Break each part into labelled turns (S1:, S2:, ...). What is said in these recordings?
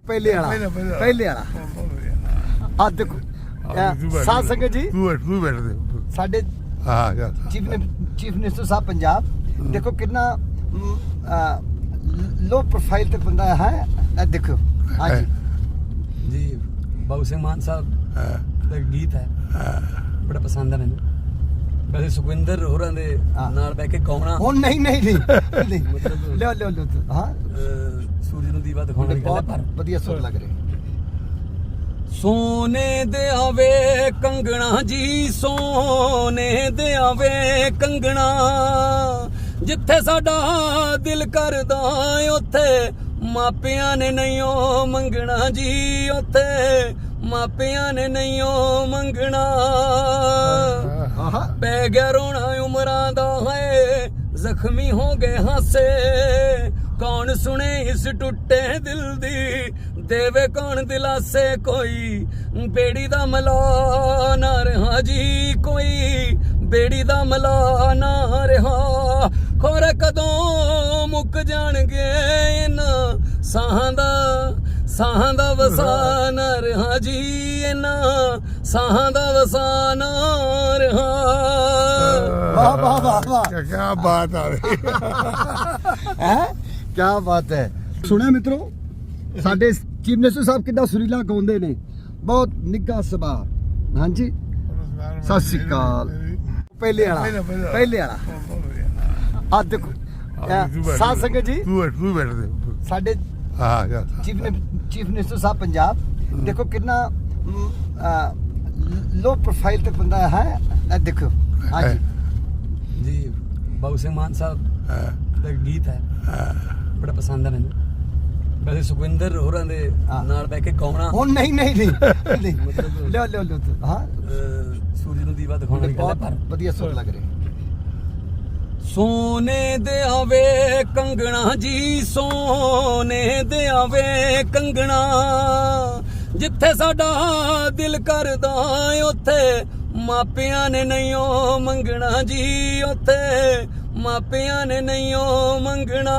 S1: पहले वाला आ देखो साध संगत जी
S2: तू बैठ दे
S1: साडे चीफ मिनिस्टर साहब पंजाब देखो कितना लो प्रोफाइल ते बंदा है देखो हाँ
S3: जी बाबू सिंह मान साहब ਦਾ ਗੀਤ ਹੈ ਬੜਾ ਪਸੰਦ ਹੈ ਮੈਨੂੰ ਵੈਸੇ ਸੁਖਵਿੰਦਰ ਹੋਰਾਂ ਦੇ ਨਾਲ ਬਹਿ ਕੇ ਗਾਉਣਾ
S1: ਹੁਣ ਨਹੀਂ
S3: ਮਤਲਬ
S1: ਲਿਓ ਹਾਂ
S3: ਸੂਰਜ ਨੂੰ ਦੀਵਾ ਦਿਖਾਉਣ ਦੀ ਗੱਲ ਹੈ ਪਰ
S1: ਵਧੀਆ ਸੁਰ ਲੱਗ ਰਿਹਾ
S3: ਸੋਨੇ ਦੇ ਆਵੇ ਕੰਗਣਾ ਜੀ ਸੋਨੇ ਦੇ ਆਵੇ ਕੰਗਣਾ ਜਿੱਥੇ ਸਾਡਾ ਦਿਲ ਕਰਦਾ ਉੱਥੇ ਮਾਪਿਆਂ ਨੇ ਨਹੀਂਓ ਮੰਗਣਾ ਜੀ ਉੱਥੇ ਮਾਪਿਆਂ ਨੇ ਨਹੀਂਓ ਮੰਗਣਾ ਪੈ ਗਿਆ ਰੋਣਾ ਉਮਰਾਂ ਦਾ ਹੈ ਜ਼ਖਮੀ ਹੋ ਗਏ ਹਾਸੇ ਕੌਣ ਸੁਣੇ ਇਸ ਟੁੱਟੇ ਦਿਲ ਦੀ ਦੇਵੇ ਕੌਣ ਦਿਲਾਸੇ ਕੋਈ ਬੇੜੀ ਦਾ ਮਲਾ ਨਾ ਰਹਾ ਜੀ ਕੋਈ ਬੇੜੀ ਦਾ ਮਲਾ ਨਾ ਰਹਾ ਖੋਰੇ ਕਦੋਂ ਮੁੱਕ ਜਾਣਗੇ ਇਹਨਾਂ ਸਾਹਾਂ ਦਾ ਵਸਾਨ ਰਹਾ ਜੀ ਇਹਨਾਂ ਸਾਹਾਂ ਦਾ ਵਸਾਨ ਰਹਾ
S1: ਵਾਹ ਵਾਹ ਵਾਹ ਵਾਹ
S2: ਕੀ ਬਾਤ ਆ ਰਹੀ
S1: ਹੈ ਕੀ ਬਾਤ ਹੈ ਸੁਣਿਆ ਮਿੱਤਰੋ ਸਾਡੇ ਚੀਫ ਮਿਨਿਸਟਰ ਸਾਹਿਬ ਕਿੱਦਾਂ ਸੁਰੀਲਾ ਗਾਉਂਦੇ ਨੇ ਬਹੁਤ ਨਿੱਘਾ ਸੁਭਾਅ ਹਾਂਜੀ ਸਤਿ ਸ਼੍ਰੀ ਅਕਾਲ ਪਹਿਲੇ ਵਾਲਾ ਆ ਦੇਖੋ ਸਾਧ ਸੰਗਤ ਜੀ
S2: ਤੂੰ बैठ दे
S1: ਸਾਡੇ ਚੀਫ ਮਿਨਿਸਟਰ ਸਾਹਿਬ ਪੰਜਾਬ ਦੇਖੋ ਕਿੰਨਾ लो प्रोफाइल ਤੇ ਬੰਦਾ ਹੈ ਦੇਖੋ ਹਾਂਜੀ
S3: ਜੀ ਬਾਬੂ ਸਿੰਘ ਮਾਨ ਸਾਹਿਬ ਦਾ ਗੀਤ ਹੈ ਬੜਾ ਪਸੰਦ ਹੈ ਮੈਨੂੰ ਵੈਸੇ ਸੁਖਵਿੰਦਰ ਹੋਰਾਂ ਦੇ ਨਾਲ ਬਹਿ ਕੇ ਗਾਉਣਾ
S1: ਹੁਣ ਨਹੀਂ ਮਤਲਬ ਲਿਓ ਹਾਂ
S3: ਸੂਰਜ ਨੂੰ ਦੀਵਾ ਦਿਖਾਉਣ ਦੀ ਗੱਲ ਹੈ ਪਰ
S1: ਵਧੀਆ ਸੁਰ ਲੱਗ ਰਿਹਾ
S3: ਸੋਨੇ ਦੇ ਆਵੇ ਕੰਗਣਾ ਜੀ ਸੋਨੇ ਦੇ ਆਵੇ ਕੰਗਣਾ ਜਿੱਥੇ ਸਾਡਾ ਦਿਲ ਕਰਦਾ ਉੱਥੇ ਮਾਪਿਆਂ ਨੇ ਨਹੀਂਓ ਮੰਗਣਾ ਜੀ ਉੱਥੇ ਮਾਪਿਆਂ ਨੇ ਨਹੀਂਓ ਮੰਗਣਾ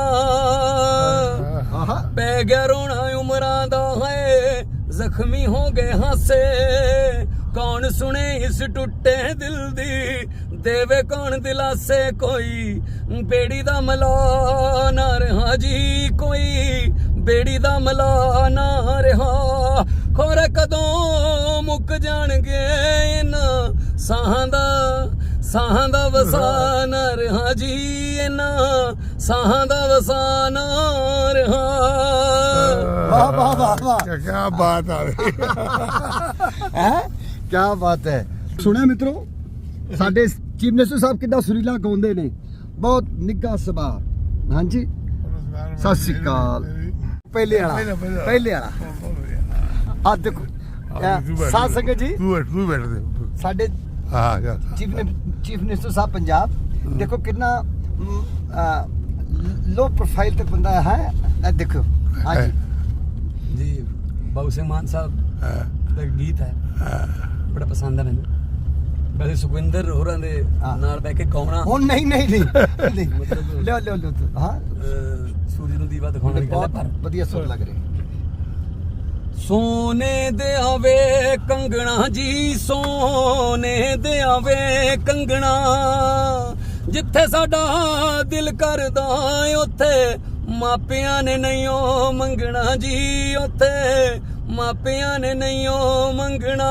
S3: ਪੈ ਗਿਆ ਰੋਣਾ ਉਮਰਾਂ ਦਾ ਹੈ ਜ਼ਖਮੀ ਹੋ ਗਏ ਹਾਸੇ ਕੌਣ ਸੁਣੇ ਇਸ ਟੁੱਟੇ ਦਿਲ ਦੀ ਦੇਵੇ ਕੌਣ ਦਿਲਾਸੇ ਕੋਈ ਬੇੜੀ ਦਾ ਮਲਾ ਨਾ ਰਹਾ ਜੀ ਕੋਈ ਬੇੜੀ ਦਾ ਮਲਾ ਨਾ ਰਹਾ ਖੋਰੇ ਕਦੋਂ ਮੁੱਕ ਜਾਣਗੇ ਇਹਨਾਂ ਸਾਹਾਂ ਦਾ ਵਸਾਨ ਰਹਾ ਜੀ ਇਹਨਾਂ ਸਾਹਾਂ ਦਾ ਵਸਾਨ ਰਹਾ
S1: ਵਾਹ ਵਾਹ ਵਾਹ ਵਾਹ
S2: ਕੀ ਬਾਤ ਆ ਰਹੀ
S1: ਹੈ ਕੀ ਬਾਤ ਹੈ ਸੁਣਿਆ ਮਿੱਤਰੋ ਸਾਡੇ ਚੀਫ ਮਿਨਿਸਟਰ ਸਾਹਿਬ ਕਿੱਦਾਂ ਸੁਰੀਲਾ ਗਾਉਂਦੇ ਨੇ ਬਹੁਤ ਨਿੱਘਾ ਸੁਭਾਅ ਹਾਂਜੀ ਸਤਿ ਸ਼੍ਰੀ ਅਕਾਲ ਪਹਿਲੇ ਵਾਲਾ ਆ ਦੇਖੋ ਸਾਧ ਸੰਗਤ ਜੀ
S2: ਤੂੰ बैठ दे
S1: ਸਾਡੇ ਚੀਫ ਮਿਨਿਸਟਰ ਸਾਹਿਬ ਪੰਜਾਬ ਦੇਖੋ ਕਿੰਨਾ लो प्रोफाइल ਤੇ ਬੰਦਾ ਹੈ ਦੇਖੋ ਹਾਂਜੀ
S3: ਜੀ ਬਾਬੂ ਸਿੰਘ ਮਾਨ ਸਾਹਿਬ ਦਾ ਗੀਤ ਹੈ ਬੜਾ ਪਸੰਦ ਹੈ ਮੈਨੂੰ ਵੈਸੇ ਸੁਖਵਿੰਦਰ ਹੋਰਾਂ ਦੇ ਨਾਲ ਬਹਿ ਕੇ ਗਾਉਣਾ
S1: ਹੁਣ ਨਹੀਂ
S3: ਮਤਲਬ
S1: ਲਿਓ ਹਾਂ
S3: ਸੂਰਜ ਨੂੰ ਦੀਵਾ ਦਿਖਾਉਣ ਦੀ ਗੱਲ ਹੈ ਪਰ
S1: ਵਧੀਆ ਸੁਰ ਲੱਗ ਰਿਹਾ
S3: ਸੋਨੇ ਦੇ ਆਵੇ ਕੰਗਣਾ ਜੀ ਸੋਨੇ ਦੇ ਆਵੇ ਕੰਗਣਾ ਜਿੱਥੇ ਸਾਡਾ ਦਿਲ ਕਰਦਾ ਉੱਥੇ ਮਾਪਿਆਂ ਨੇ ਨਹੀਂਓ ਮੰਗਣਾ ਜੀ ਉੱਥੇ ਮਾਪਿਆਂ ਨੇ ਨਹੀਂਓ ਮੰਗਣਾ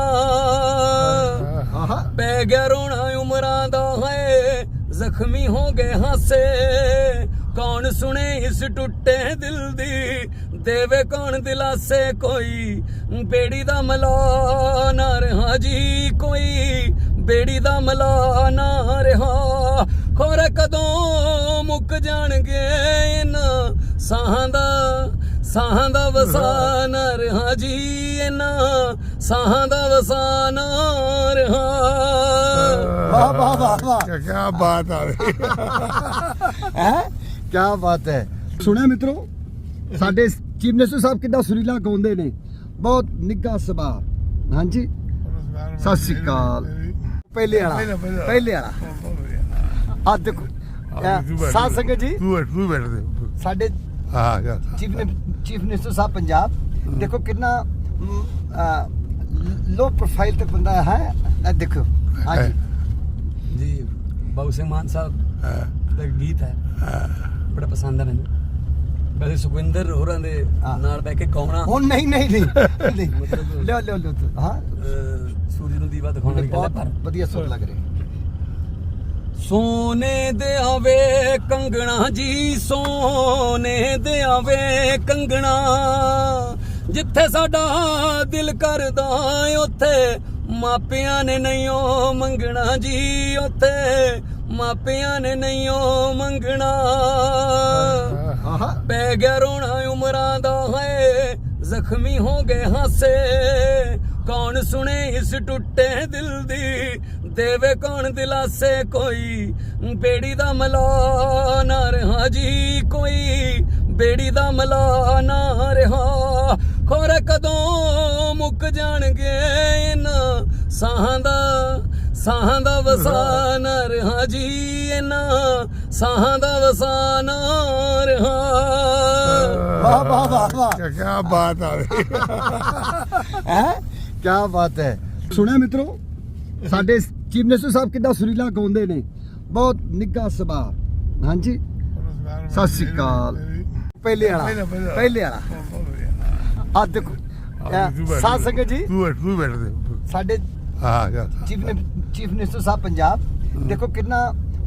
S3: ਪੈ ਗਿਆ ਰੋਣਾ ਉਮਰਾਂ ਦਾ ਹੈ ਜ਼ਖਮੀ ਹੋ ਗਏ ਹਾਸੇ ਕੌਣ ਸੁਣੇ ਇਸ ਟੁੱਟੇ ਦਿਲ ਦੀ ਦੇਵੇ ਕੌਣ ਦਿਲਾਸੇ ਕੋਈ ਬੇੜੀ ਦਾ ਮਲਾ ਨਾ ਰਹਾ ਜੀ ਕੋਈ ਬੇੜੀ ਦਾ ਮਲਾ ਨਾ ਰਹਾ ਖੋਰੇ ਕਦੋਂ ਮੁੱਕ ਜਾਣਗੇ ਇਹਨਾਂ ਸਾਹਾਂ ਦਾ ਵਸਾਨ ਰਹਾ ਜੀ ਇਹਨਾਂ ਸਾਹਾਂ ਦਾ ਵਸਾਨ ਰਹਾ
S1: ਵਾਹ ਵਾਹ ਵਾਹ ਵਾਹ
S2: ਕੀ ਬਾਤ ਆ ਰਹੀ
S1: ਹੈ ਕੀ ਬਾਤ ਹੈ ਸੁਣਿਆ ਮਿੱਤਰੋ ਸਾਡੇ ਚੀਫ ਮਿਨਿਸਟਰ ਸਾਹਿਬ ਕਿੱਦਾਂ ਸੁਰੀਲਾ ਗਾਉਂਦੇ ਨੇ ਬਹੁਤ ਨਿੱਘਾ ਸੁਭਾਅ ਹਾਂਜੀ ਸਤਿ ਸ਼੍ਰੀ ਅਕਾਲ ਪਹਿਲੇ ਵਾਲਾ ਆ ਦੇਖੋ ਸਾਧ ਸੰਗਤ ਜੀ
S2: ਤੂੰ बैठ दे
S1: ਸਾਡੇ ਚੀਫ ਮਿਨਿਸਟਰ ਸਾਹਿਬ ਪੰਜਾਬ ਦੇਖੋ ਕਿੰਨਾ ਲੋ ਪ੍ਰੋਫਾਈਲ ਤੇ ਬੰਦਾ ਹੈ ਇਹ ਦੇਖੋ ਹਾਂਜੀ
S3: ਜੀ ਬਾਬੂ ਸਿੰਘ ਮਾਨ ਸਾਹਿਬ ਦਾ ਗੀਤ ਹੈ ਬੜਾ ਪਸੰਦ ਹੈ ਮੈਨੂੰ ਵੈਸੇ ਸੁਖਵਿੰਦਰ ਹੋਰਾਂ ਦੇ ਨਾਲ ਬਹਿ ਕੇ ਕੌਣਾ
S1: ਹੁਣ ਨਹੀਂ ਨਹੀਂ ਨਹੀਂ ਲਿਓ ਲਿਓ ਲਿਓ ਹਾਂ
S3: ਸੂਰਜ ਨੂੰ ਦੀਵਾ ਦਿਖਾਉਣ ਵਾਲੀ ਗੱਲ ਹੈ ਪਰ
S1: ਵਧੀਆ ਸੁਰ ਲੱਗ ਰਿਹਾ
S3: ਸੋਨੇ ਦੇ ਆਵੇ ਕੰਗਣਾ ਜੀ ਸੋਨੇ ਦੇ ਆਵੇ ਕੰਗਣਾ ਜਿੱਥੇ ਸਾਡਾ ਦਿਲ ਕਰਦਾ ਉੱਥੇ ਮਾਪਿਆਂ ਨੇ ਨਹੀਂ ਉਹ ਮੰਗਣਾ ਜੀ ਉੱਥੇ ਮਾਪਿਆਂ ਨੇ ਨਹੀਂ ਉਹ ਮੰਗਣਾ ਪੈ ਗਿਆ ਰੋਣਾ ਉਮਰਾਂ ਦਾ ਹੈ ਜ਼ਖਮੀ ਹੋ ਗਏ ਹਾਸੇ ਕੌਣ ਸੁਣੇ ਇਸ ਟੁੱਟੇ ਦਿਲ ਦੀ ਦੇਵੇ ਕੌਣ ਦਿਲਾਸੇ ਕੋਈ ਬੇੜੀ ਦਾ ਮਲਾ ਨਾ ਰਹਾ ਜੀ ਕੋਈ ਬੇੜੀ ਦਾ ਮਲਾ ਨਾ ਰਹਾ ਖੋਰੇ ਕਦੋਂ ਮੁੱਕ ਜਾਣਗੇ ਇਹਨਾਂ ਸਾਹਾਂ ਦਾ ਵਸਾ ਨਾ ਰਹਾ ਜੀ ਇਹਨਾਂ ਸਾਹਾਂ ਦਾ ਵਸਾ ਨਾ ਰਹਾ
S1: ਵਾਹ ਵਾਹ ਵਾਹ ਵਾਹ
S2: ਕੀ ਬਾਤ ਆ ਗਈ
S1: ਹੈ ਕੀ ਬਾਤ ਹੈ ਸੁਣਿਆ ਮਿੱਤਰੋ ਸਾਡੇ ਚੀਫ ਮਿਨਿਸਟਰ ਸਾਹਿਬ ਕਿੱਦਾਂ ਸੁਰੀਲਾ ਗਾਉਂਦੇ ਨੇ ਬਹੁਤ ਨਿੱਘਾ ਸੁਭਾਅ ਹਾਂਜੀ ਸਤਿ ਸ਼੍ਰੀ ਅਕਾਲ ਪਹਿਲੇ ਵਾਲਾ ਆ ਦੇਖੋ ਸਾਧ ਸੰਗਤ ਜੀ
S2: ਤੂੰ ਬੈਠ ਦੇ
S1: ਸਾਡੇ
S2: ਹਾਂ
S1: ਚੀਫ ਮਿਨਿਸਟਰ ਸਾਹਿਬ ਪੰਜਾਬ ਦੇਖੋ ਕਿੰਨਾ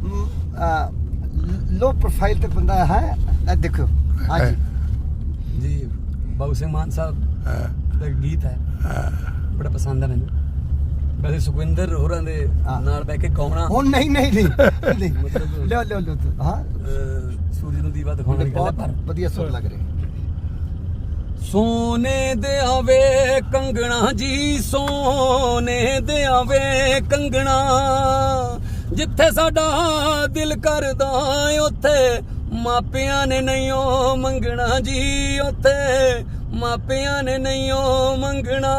S1: ਲੋ ਪ੍ਰੋਫਾਈਲ ਤੇ ਬੰਦਾ ਹੈ ਇਹ ਦੇਖੋ ਹਾਂਜੀ
S3: ਜੀ ਬਾਬੂ ਸਿੰਘ ਮਾਨ ਸਾਹਿਬ ਦਾ ਗੀਤ ਹੈ ਬੜਾ ਪਸੰਦ ਹੈ ਮੈਨੂੰ ਵੈਸੇ ਸੁਖਵਿੰਦਰ ਹੋਰਾਂ ਦੇ ਨਾਲ ਬਹਿ ਕੇ ਕੌਣਾ
S1: ਹੁਣ ਨਹੀਂ ਨਹੀਂ ਨਹੀਂ ਲਿਓ ਲਿਓ ਲਿਓ ਹਾਂ
S3: ਸੂਰਜ ਨੂੰ ਦੀਵਾ ਦਿਖਾਉਣ ਵਾਲੀ ਗੱਲ ਹੈ ਪਰ
S1: ਵਧੀਆ ਸੁਰ ਲੱਗ ਰਿਹਾ
S3: ਸੋਨੇ ਦੇ ਆਵੇ ਕੰਗਣਾ ਜੀ ਸੋਨੇ ਦੇ ਆਵੇ ਕੰਗਣਾ ਜਿੱਥੇ ਸਾਡਾ ਦਿਲ ਕਰਦਾ ਉੱਥੇ ਮਾਪਿਆਂ ਨੇ ਨਹੀਂ ਉਹ ਮੰਗਣਾ ਜੀ ਉੱਥੇ ਮਾਪਿਆਂ ਨੇ ਨਹੀਂ ਉਹ ਮੰਗਣਾ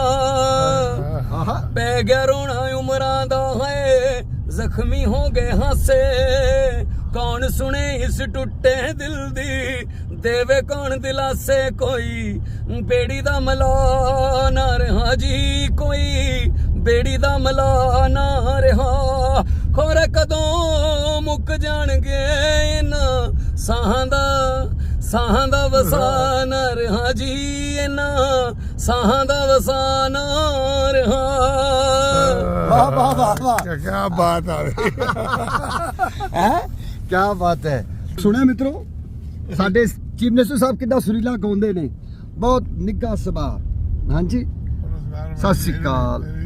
S3: ਪੈ ਗਿਆ ਰੋਣਾ ਉਮਰਾਂ ਦਾ ਹੈ ਜ਼ਖਮੀ ਹੋ ਗਏ ਹਾਸੇ ਕੌਣ ਸੁਣੇ ਇਸ ਟੁੱਟੇ ਦਿਲ ਦੀ ਦੇਵੇ ਕੌਣ ਦਿਲਾਸੇ ਕੋਈ ਬੇੜੀ ਦਾ ਮਲਾ ਨਾ ਰਹਾ ਜੀ ਕੋਈ ਬੇੜੀ ਦਾ ਮਲਾ ਨਾ ਰਹਾ ਖੋਰੇ ਕਦੋਂ ਮੁੱਕ ਜਾਣਗੇ ਇਹਨਾਂ ਸਾਹਾਂ ਦਾ ਵਸਾ ਨਾ ਰਹਾ ਜੀ ਇਹਨਾਂ ਸਾਹਾਂ ਦਾ ਵਸਾ ਨਾ ਰਹਾ
S1: ਵਾਹ ਵਾਹ ਵਾਹ ਵਾਹ
S2: ਕੀ ਬਾਤ ਆ ਗਈ
S1: ਹੈ ਕੀ ਬਾਤ ਹੈ ਸੁਣਿਆ ਮਿੱਤਰੋ ਸਾਡੇ ਚੀਫ ਮਿਨਿਸਟਰ ਸਾਹਿਬ ਕਿੱਦਾਂ ਸੁਰੀਲਾ ਗਾਉਂਦੇ ਨੇ ਬਹੁਤ ਨਿੱਘਾ ਸੁਭਾਅ ਹਾਂਜੀ ਸਤਿ ਸ਼੍ਰੀ ਅਕਾਲ